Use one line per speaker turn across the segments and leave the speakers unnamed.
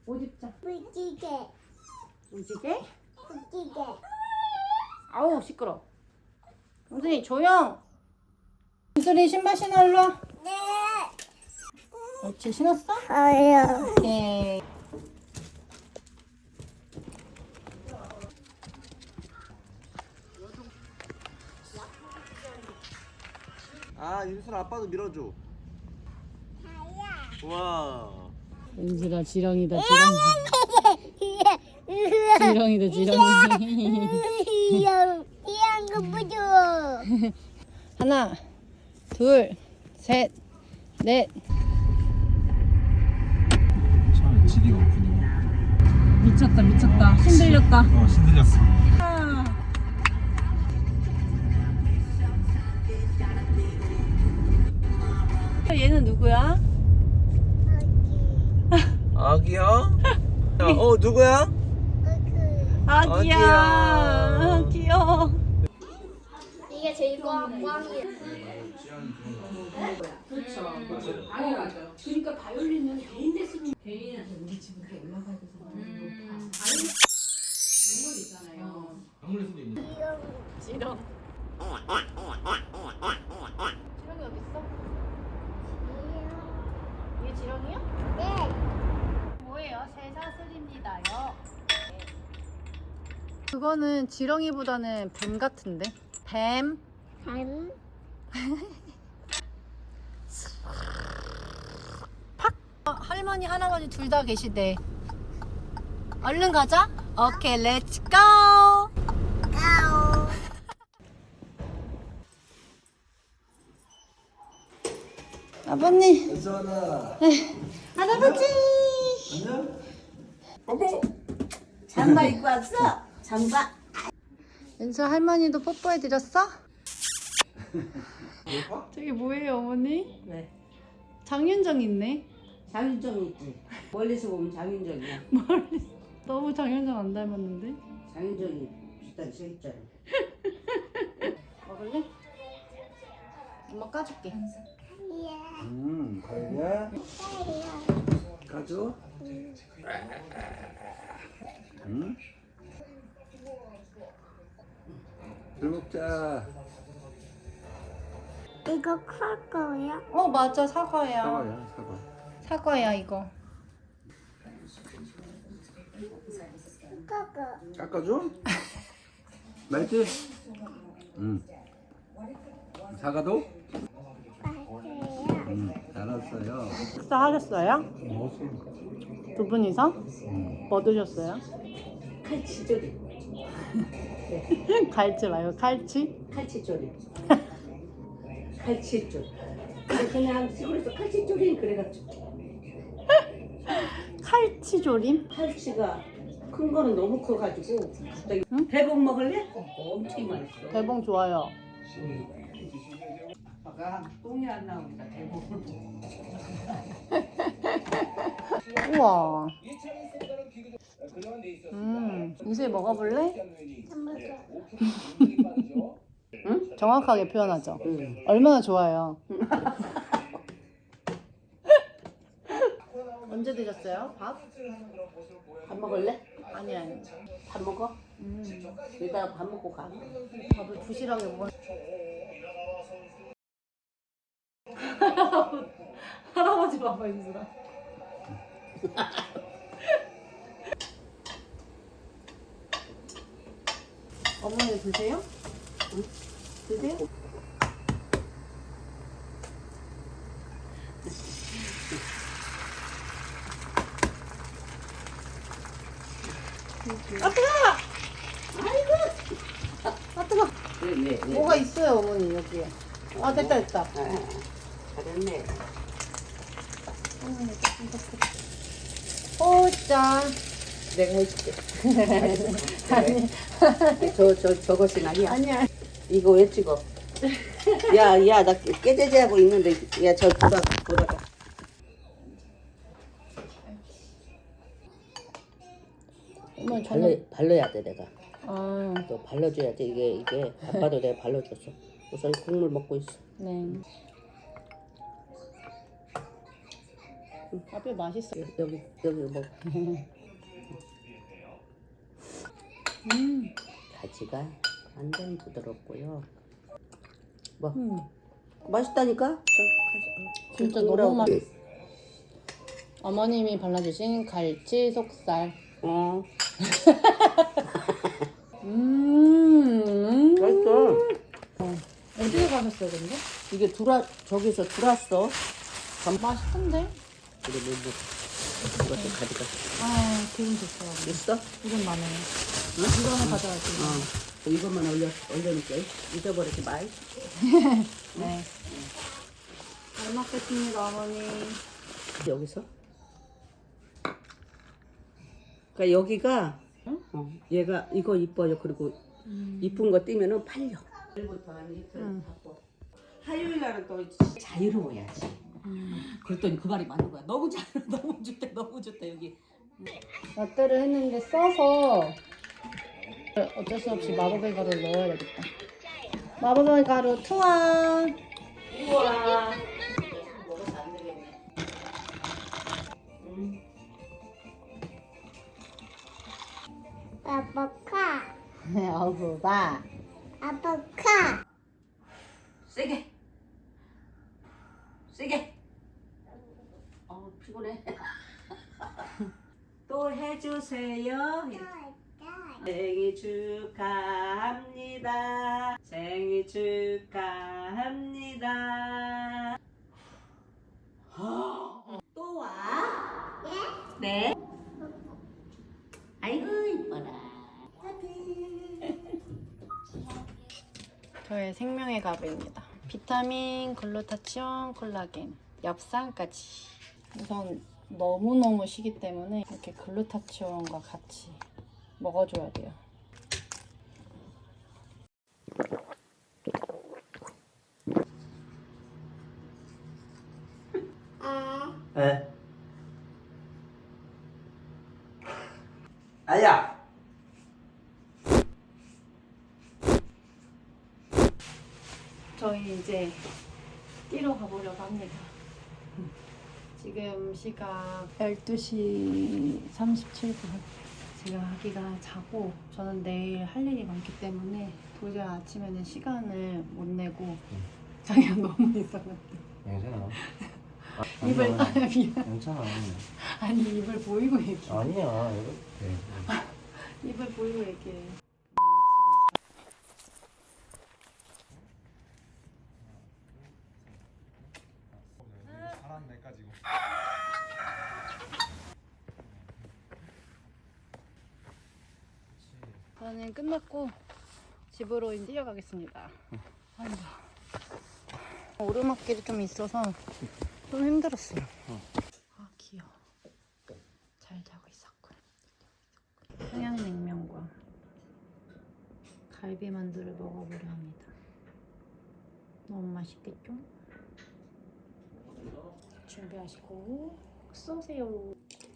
옷 입자.
무지개.
무지개?
무지개.
아우 시끄러. 영순이 조용. 영순이 신발 신어 일로 와.
네.
옳지 신었어?
아요.
네.
아, 윤순 아빠도 밀어줘.
다야.
와.
윤수라 지렁이다 지렁이다 지렁이.
이런 거 보죠.
하나 둘셋넷
처음에 지리가 없구나.
미쳤다 힘들렸다.
신들렸어.
얘는 누구야?
아기야? 누구야?
아기야.
아기야.
귀여워.
이게 제일 꽝꽝이야.
그렇죠. 당연하죠. 그러니까 바이올린은 개인 레슨은 개인한테 우리 집은 다 올라가야 돼서 높아. 동물 있잖아요.
강물에 수도 있는.
지렁. 지렁이 어디 있어? 이게 지렁이야?
네.
뭐예요? 새사슬입니다요. 그거는 지렁이보다는 뱀 같은데? 뱀.
뱀.
할머니 할아버지 둘 다 계시대. 얼른 가자. 오케이 렛츠 고.
까오.
아버님
윤순아.
할아버지
안녕?
잠바 입고 왔어? 잠바?
연수 할머니도 뽀뽀해 드렸어? 저게 뭐예요 어머니?
왜?
장윤정 있네.
장윤정 있지. 멀리서 보면 장윤정이야.
너무 장윤정 안 닮았는데?
장윤정이 비슷하게 생겼잖아.
먹을래? 엄마 까줄게.
가야? 가져? 응? 술 먹자.
이거 클 거야?
어 맞아 사과야.
사과야, 사과.
사과야 이거.
까까.
깎아줘? 맛있지? 응. 사과도?
맛있어요.
응, 알았어요.
식사하셨어요?
먹었어.
두 분이서?
응.
뭐 드셨어요?
칼치조림.
갈치 말고 칼치?
칼치조림. 칼치조림. 그냥 시골에서 칼치조림 그래가지고.
칼치조림?
칼치가 큰 거는 너무 커가지고 갑자기
응?
대봉 먹을래? 엄청 맛있어.
대봉 좋아요.
아까 똥이 안 나오니까 대봉을
우와. 이제 먹어볼래? 응? 정확하게 표현하죠. 얼마나 좋아요. 언제 드셨어요? 밥?
밥 먹을래?
아니.
밥 먹어? 이따가 밥 먹고 가.
밥을 부실하게 먹어. 할아버지 봐봐 인수라. 어머니 드세요? 응? 드세요? 아 뜨거! 아이고! 아 뜨거!
네.
뭐가 있어요 어머니 여기에. 아 됐다.
잘했네.
오짜.
내가 해줄게.
아니.
저것이 아니야.
아니야.
이거 왜 찍어? 야, 나 깨제제하고 있는데, 야, 저 돌아가.
어머니 저는.
발라야 돼, 내가.
아
또 발라줘야지. 이게 아빠도 내가 발라줬어. 우선 국물 먹고 있어.
네. 밥이 맛있어.
여기 뭐 가지가 완전 부드럽고요. 뭐 맛있다니까?
진짜 너무 맛. 어머님이 발라주신 갈치 속살.
맛있어.
어디에 가셨어요, 근데?
이게 저기서 들어왔어.
맛있던데?
그래 이것도 가져가.
아, 기분 좋더라고.
있어?
이건 많아요. 이거는 가져갈게요.
이것만 올려놓을게. 잊어버리지 마.
네. 잘 먹겠습니다, 어머니.
여기서. 그러니까 여기가 얘가 이거 이뻐요. 그리고 이쁜 거 띄면은 팔려. 내일부터 한 이틀 바빠. 화요일 날은 또 자유로워야지. 그랬더니 그 말이 맞는 거야. 너무 자유로워. 너무 좋다 여기.
라떼를 했는데 써서 어쩔 수 없이 마법의 가루를 넣어야 되겠다. 마법의 가루 투하.
우와. 먹어서 안 되겠네.
아빠카.
어부바.
아빠카.
세게. 피곤해. 또 해주세요. 생일 축하합니다. 생일 축하합니다. 또 와? 네. 아이고 이뻐라.
저의 생명의 가루입니다. 비타민, 글루타치온, 콜라겐, 엽산까지. 우선 너무너무 시기 때문에 이렇게 글루타치온과 같이 먹어줘야 돼요.
에? 아야!
저희 이제 뛰러 가보려고 합니다. 지금 시각 12시 37분. 제가 아기가 자고 저는 내일 할 일이 많기 때문에 도저히 아침에는 시간을 못 내고 자기가 너무 이상한데
괜찮아.
입을 미안.
괜찮아.
아니 입을 보이고 얘기해.
아니야. 이거 돼.
입을 보이고 얘기해. 저는 끝났고 집으로 이제 뛰어가겠습니다. 아이고. 오르막길이 좀 있어서 좀 힘들었어요. 아 귀여워. 잘 자고 있었군. 평양냉면과 갈비만두를 먹어보려 합니다. 너무 맛있겠죠? 준비하시고 쏘세요.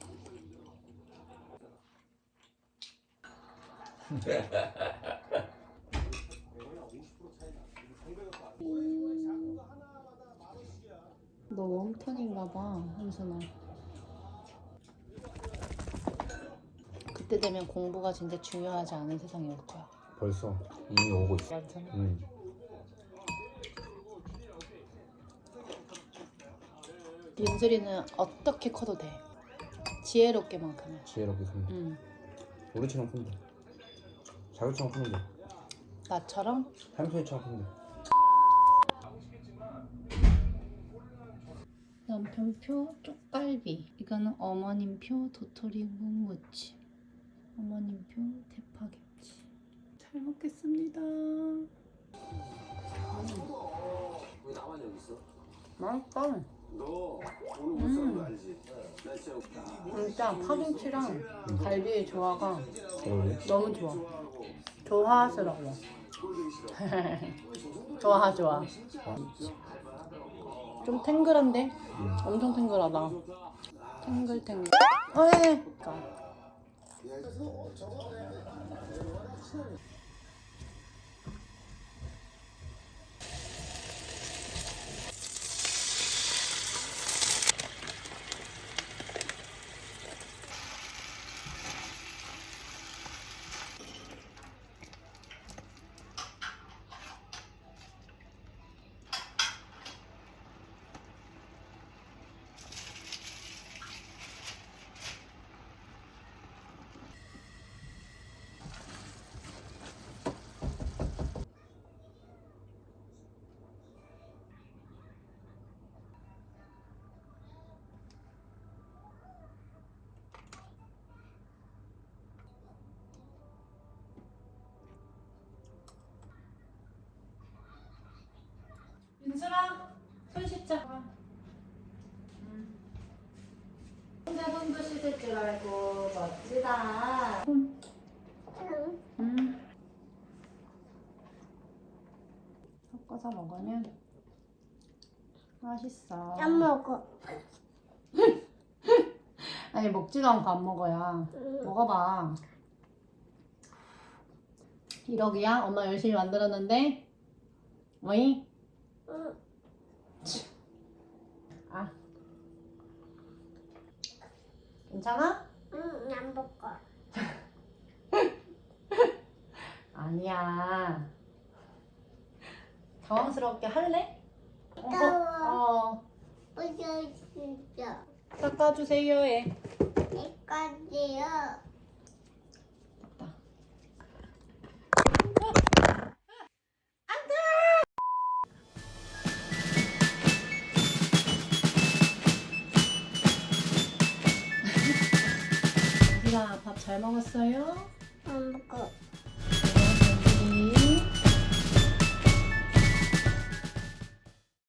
너 웜톤인가봐, 현순아. 그때 되면 공부가 진짜 중요하지 않은 세상이 올 거야.
벌써 이미 오고 있어.
맞잖아. 윤슬이는 어떻게 커도 돼. 지혜롭게만큼은.
지혜롭게 큽니다. 우리처럼 큰데. 자기처럼 크는데.
나처럼?
한소희처럼 큰데.
남편표 쪽갈비. 이거는 어머님표 도토리 묵무침. 어머님표 대파김치. 잘 먹겠습니다.
왜 나만 여기 있어?
맛있다.
너 오늘 못 사는 거 알지? 나
진짜 파김치랑 갈비의 조화가
그래?
너무 좋아. 조화스러워. 좋아. 좀 탱글한데? 엄청 탱글하다. 탱글탱글. 어이. 씻자. 혼자 손도 씻을 줄 알고 멋지다. 섞어서 먹으면 맛있어.
안 먹어.
아니 먹지도 않고 안 먹어야. 먹어봐. 1억이야? 엄마 열심히 만들었는데? 어이?
응.
아. 괜찮아?
응, 안 먹어.
아니야. 당황스럽게 할래?
따워.
어.
어디 진짜.
닦아주세요 해.
여기까지요.
됐다. 우리가 밥 잘 먹었어요?
안 먹어.